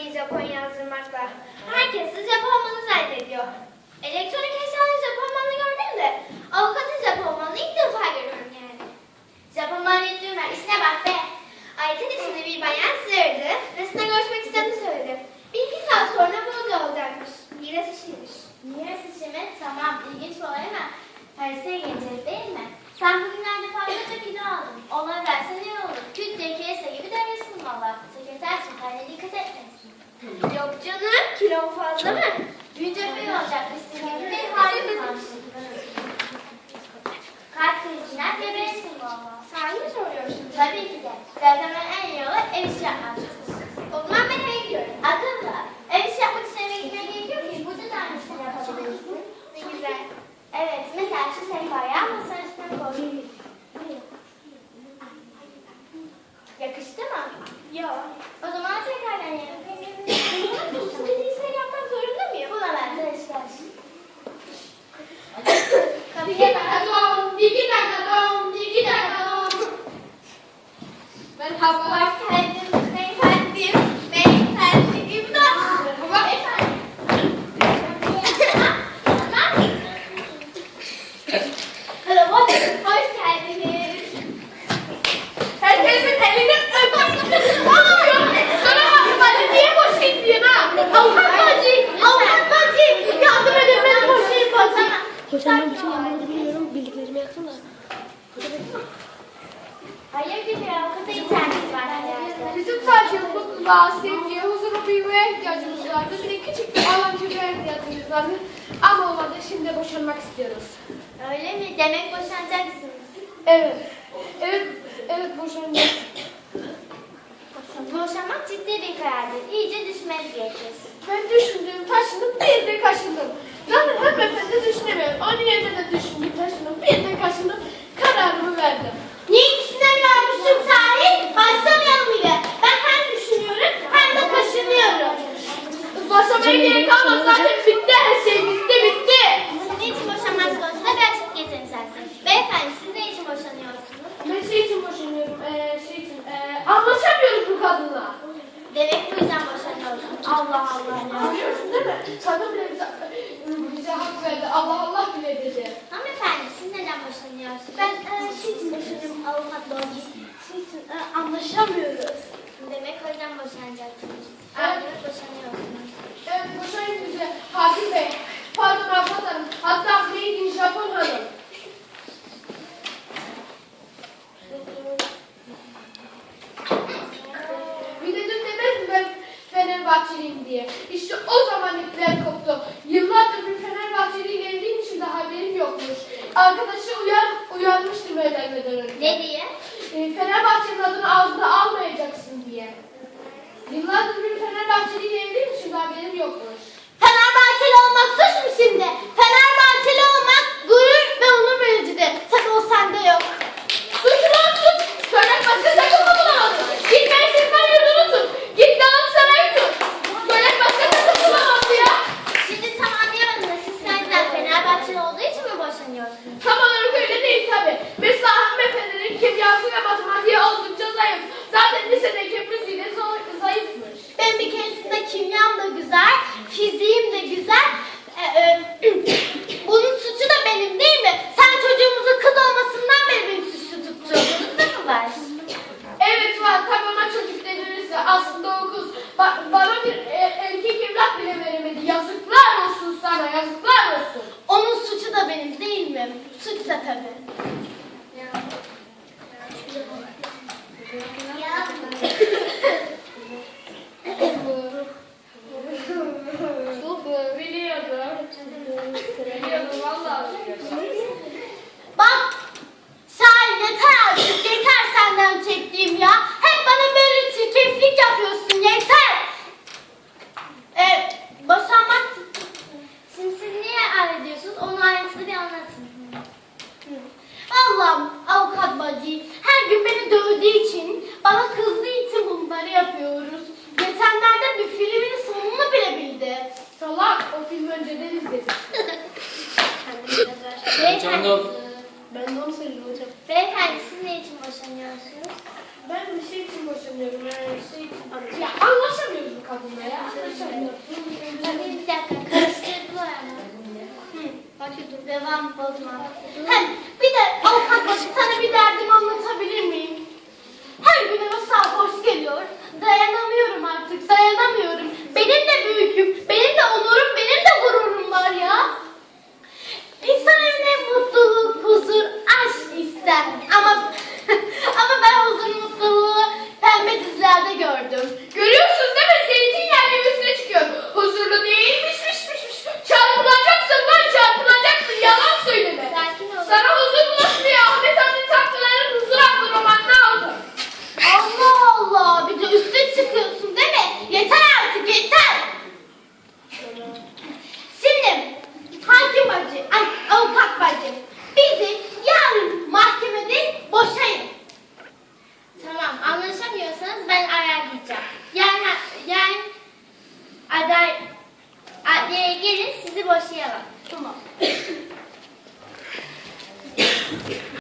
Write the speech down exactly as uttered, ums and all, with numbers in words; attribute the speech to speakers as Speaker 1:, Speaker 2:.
Speaker 1: Japonya'yı Japon yazdırmakla. Herkes de Japonmanı zannediyor. Elektronik eşyanın Japonmanı gördüm de avukatın Japonmanını ilk defa görüyorum yani. Japonman yettiğim ver, işine bak be. Ayten içinde bir bayan sığırdı. Resine görüşmek istediğini söyledi. Bir iki saat sonra burada olacakmış. Miras işiymiş.
Speaker 2: Miras işi mi? Tamam, ilginç bir olay ama Paris'e geleceğiz değil mi? Sen bugünlerde fazlaca kilo aldın. Onları versen iyi olur. Küt diye kese gibi devresin valla. Sekreter çıkarına dikkat etmelisin.
Speaker 1: Yok canım, kilom fazla mı?
Speaker 2: Büyünce böyle olacak istediğin gibi bir halin kalmış. Kalp krizinden geberirsin valla.
Speaker 1: Sen mi soruyorsun?
Speaker 2: Tabii ki de. Zaten en iyi yolu ev işi yapmak.
Speaker 1: O zaman ben eve gidiyorum.
Speaker 2: Akıllı. Ev işi yapmak için eve gitmeye gerekiyor ki burada da aynısını yapabilirsin.
Speaker 1: Ne güzel.
Speaker 2: Evet, mesela şu sehpayı masanın üstüne koy. Yakıştı mı?
Speaker 1: Yok.
Speaker 2: O zaman tekrardan yiyelim.
Speaker 1: Bunu istediğin yapmak zorunda mıyım?
Speaker 2: Buna benzer işler.
Speaker 1: Bir dakika don, iki dakika don, iki dakika don. Merhaba. Hoş geldin beyefendim. Beyefendi imdat. Merhaba. Beyefendi. Merhaba. Hoş geldiniz. Herkesin elini öpün. Sana bacı niye boşayım diyorsun ha? Avukat bacı. Avukat bacı. Yardım edin beni boşayım bacı.
Speaker 3: Hocam ben bütün yanmaları biliyorum. Bildiklerimi yaptım da.
Speaker 2: Hayırdır ya, avukata ihtiyacımız var herhalde.
Speaker 4: Bizim sadece mutluluğa, sevgiye, huzura, büyümeye ihtiyacımız vardı. Bir de küçük bir alan çocuğa ihtiyacımız vardı. Ama olmadı, şimdi boşanmak istiyoruz.
Speaker 2: Öyle mi? Demek boşanacaksınız.
Speaker 4: Evet, evet, evet boşanacağız.
Speaker 2: Boşanmak ciddi bir karardır. İyice düşünmeniz gerekir.
Speaker 4: Ben düşündüm, taşındım, bir de kaşındım. Zaten hanımefendi düşünemiyorum. Onun yerine de düşündüm, taşındım, bir de kaşındım. Kararımı verdim.
Speaker 1: Niye düşünemiyormuşum sahi? Başlamayalım bile. Ben hem düşünüyorum hem de kaşınıyorum.
Speaker 4: Boşanmaya gerek kalmaz, zaten bitti her şey, bitti, bitti.
Speaker 2: Niçin boşanmaz konusunda bir açık getirin isterseniz. Beyefendi siz ne için boşanıyorsunuz?
Speaker 4: Ben şey için boşanıyorum, ee, şey için, ee, anlaşamıyoruz bu kadınla.
Speaker 2: Demek bu yüzden boşanıyorsunuz. Allah Allah ya.
Speaker 4: Anlıyorsun değil mi? Kadın bile bize, bize hak verdi, Allah Allah bile dedi.
Speaker 2: Hanımefendi siz neden boşanıyorsunuz?
Speaker 1: Ben e, şey için boşanıyorum avukat bacı. Şey için e, anlaşamıyoruz.
Speaker 2: Demek o yüzden boşanacaksınız.
Speaker 4: Evet.
Speaker 2: Evet boşanıyorsunuz.
Speaker 4: Evet, boşayın bize. Hakim Bey, pardon Abbas Hanım, hatta Made in Japon Hanım. Bir de dün demez mi ben Fenerbahçeliyim diye. İşte o zaman ipler koptu. Yıllardır bir Fenerbahçeliyle evliyim için de haberim yokmuş. Arkadaşı uyan, uyanmıştım evlenmeden önce.
Speaker 2: Ne diye?
Speaker 4: E, Fenerbahçe'nin adını ağzına almayacaksın diye. Yıllardır bir Fenerbahçeliyle evliyim için de haberim yokmuş.
Speaker 1: Fenerbahçeli olmak suç mu şimdi? Fenerbahçeli olmak gurur ve onur vericidir. Tabii o sende yok.
Speaker 4: Suç lan suç! Söylen başka takım mı bulamadın? Git Mersin'den yurdunu tut. Git Galatasaray'ı tut. Söylen başka takım bulamadı ya.
Speaker 2: Şimdi tam anlayamadım da siz kendinizden Fenerbahçeli olduğu için mi boşanıyorsunuz?
Speaker 4: Tam olarak öyle değil tabi. Mesela hanımefendinin kimyası ve matematiği oldukça zayıf. Zaten lisedeki müziği de zor- zayıfmış.
Speaker 1: Ben bir keresinde kimyam da güzel, fiziğim de güzel. Ee, e, bunun suçu da benim değil mi? Sen çocuğumuzun kız olmasından beri beni
Speaker 2: için boşanıyorsunuz?
Speaker 4: Ben bir şey için boşanıyorum. Yani şey için. Ya anlaşamıyoruz bu kadınla ya. Anlaşamıyoruz.
Speaker 2: Hadi bir dakika karıştırdılar ama.
Speaker 1: Hadi dur.
Speaker 2: Devam bozma.
Speaker 1: Hem bir de avukat başı sana bir derdimi anlatabilir miyim? Her gün eve sarhoş geliyor. Dayanamıyorum artık, dayanamıyorum. Benim de büyüküm, benim de onurum, benim de gururum var ya. İnsan evine mutluluk, huzur, aşk ister. Ama ama ben huzur, mutluluğu pembe dizilerde gördüm.
Speaker 4: Görüyorsunuz değil mi? Zeytinyağı gibi üstüne çıkıyor. Huzurlu değilmişmişmişmiş. Çarpılacaksın lan çarpılacaksın. Yalan söyleme.
Speaker 2: Sakin ol.
Speaker 4: Sana huzur bulasın ya. Ahmet Hamdi Tatlılar'ın huzur adlı romanını aldım.
Speaker 1: Allah Allah, bir de üstüne çıkıyorsun değil mi? Yeter artık, yeter. Şimdi hakim bacı, ay, avukat bacı, bizi yarın mahkemede boşayın.
Speaker 2: Tamam anlaşamıyorsanız ben ayarlayacağım. Yani yani aday adliyeye gelin sizi boşayalım.
Speaker 1: Tamam.